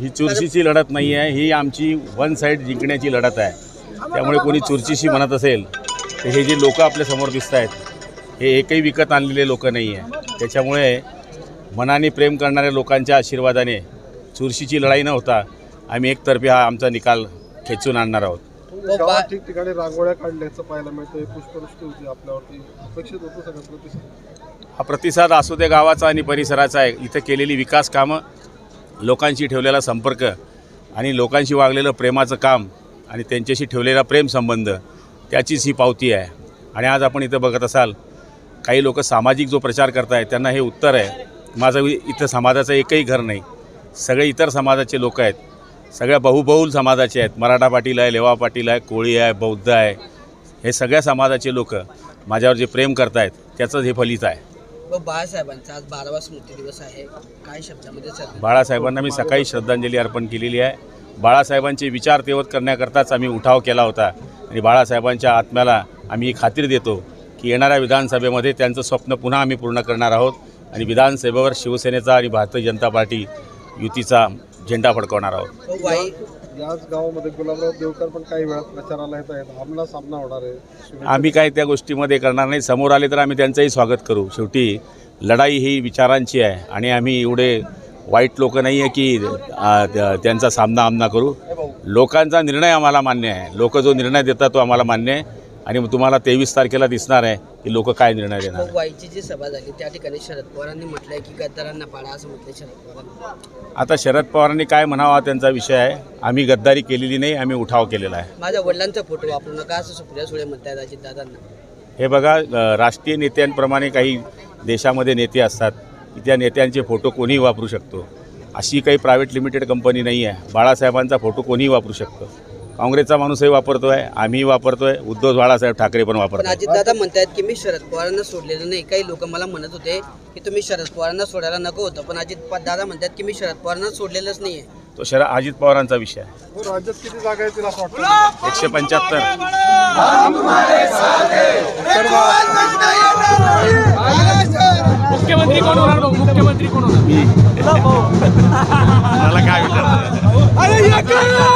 ही चुरशीची लढत नाही आहे, ही आमची वन साईड जिंकण्याची लढत आहे. त्यामुळे कोणी चुरशीशी म्हणत असेल तर हे जे लोक आपल्यासमोर दिसत आहेत हे एकही विकत आणलेले लोक नाही आहे. त्याच्यामुळे मनाने प्रेम करणाऱ्या लोकांच्या आशीर्वादाने चुरशीची लढाई न होता आम्ही एकतर्फी हा आमचा निकाल खेचून आणणार आहोत. गावात ठिकठिकाणी रांगोळ्या काढल्याचं पाहायला मिळतं. पुष्पवृष्टी होती आपल्यावरती, अपेक्षित होतं सगळं प्रतिसाद? हा प्रतिसाद असू दे गावाचा आणि परिसराचा आहे. इथं केलेली विकास कामं, लोकांशी ठेवलेला संपर्क आणि लोकांशी वागलेलं प्रेमाचं काम आणि त्यांच्याशी ठेवलेला प्रेमसंबंध त्याचीच ही पावती आहे. आणि आज आपण इथं बघत असाल काही लोक सामाजिक जो प्रचार करत आहेत त्यांना हे उत्तर आहे. माझं इथं समाजाचं एकही घर नाही, सगळे इतर समाजाचे लोक आहेत, सगळ्या बहुबहुल समाजाचे आहेत. मराठा पाटील आहे, लेवा पाटील आहे, कोळी आहे, बौद्ध आहे, हे सगळ्या समाजाचे लोक माझ्यावर जे प्रेम करत आहेत त्याचंच हे फलित आहे. बाळासाहेबांचा आज 12वा स्मृती दिवस आहे, काय शब्दामध्ये सर? बाळासाहेबांना मी सकाळी श्रद्धांजली अर्पण केलेली आहे. बाळासाहेबांचे विचार तेवत करण्याकरताच आम्ही उठाव केला होता आणि बाळासाहेबांच्या आत्म्याला आम्ही खात्री देतो की येणाऱ्या विधानसभेमध्ये त्यांचं स्वप्न पुन्हा आम्ही पूर्ण करणार आहोत आणि विधानसभेवर शिवसेनेचा आणि भारतीय जनता पार्टी युतीचा झेंडा फडकवणार आहोत. याच गावामध्ये गुलाबराव देवकर पण काही वेळात प्रचाराला येत आहेत, आमला सामना होणार आहे. आम्ही काय त्या गोष्टीमध्ये करणार नाही. समोर आले तर आम्ही त्यांचंही स्वागत करू. शेवटी लढाई ही विचारांची आहे आणि आम्ही एवढे वाईट लोक नाही आहे की त्यांचा सामना आमना करू. लोकांचा निर्णय आम्हाला मान्य आहे. लोक जो निर्णय देतात तो आम्हाला मान्य आहे आणि तुम्हाला 23 तारखेला दिसणार आहे की लोक काय निर्णय देणार. वाईची जी सभा झाली त्या ठिकाणी शरद पवारांनी म्हटलंय की गद्दारांना पाडा असं म्हटलंय शरद पवारांनी. आता शरद पवारांनी काय म्हणावा त्यांचा विषय आहे. आम्ही गद्दारी केलेली नाही, आम्ही उठाव केलेला आहे. माझ्या वडिलांचा फोटो वापरू नका असं सुप्रिया सुळे म्हणतायत अजितदादांना. हे बघा, राष्ट्रीय नेत्यांप्रमाणे काही देशामध्ये नेते असतात की त्या नेत्यांचे फोटो कोणीही वापरू शकतो. अशी काही प्रायव्हेट लिमिटेड कंपनी नाही आहे. बाळासाहेबांचा फोटो कोणीही वापरू शकतो. काँग्रेसचा माणूसही वापरतो आहे, आम्हीही वापरतो आहे, उद्धव बाळासाहेब ठाकरे पण वापरतो. अजितदादा म्हणतायत की मी शरद पवारांना सोडलेलं नाही. काही लोक मला म्हणत होते की तुम्ही शरद पवारांना सोडायला नको होतं, पण अजितदादा म्हणतात की मी शरद पवारांना सोडलेलंच नाही आहे. तो अजित पवारांचा विषय आहे. राज्यात किती जागा येतील असं वाटतं? 175. मुख्यमंत्री कोण होणार? मुख्यमंत्री कोण होणार? मला काय विचार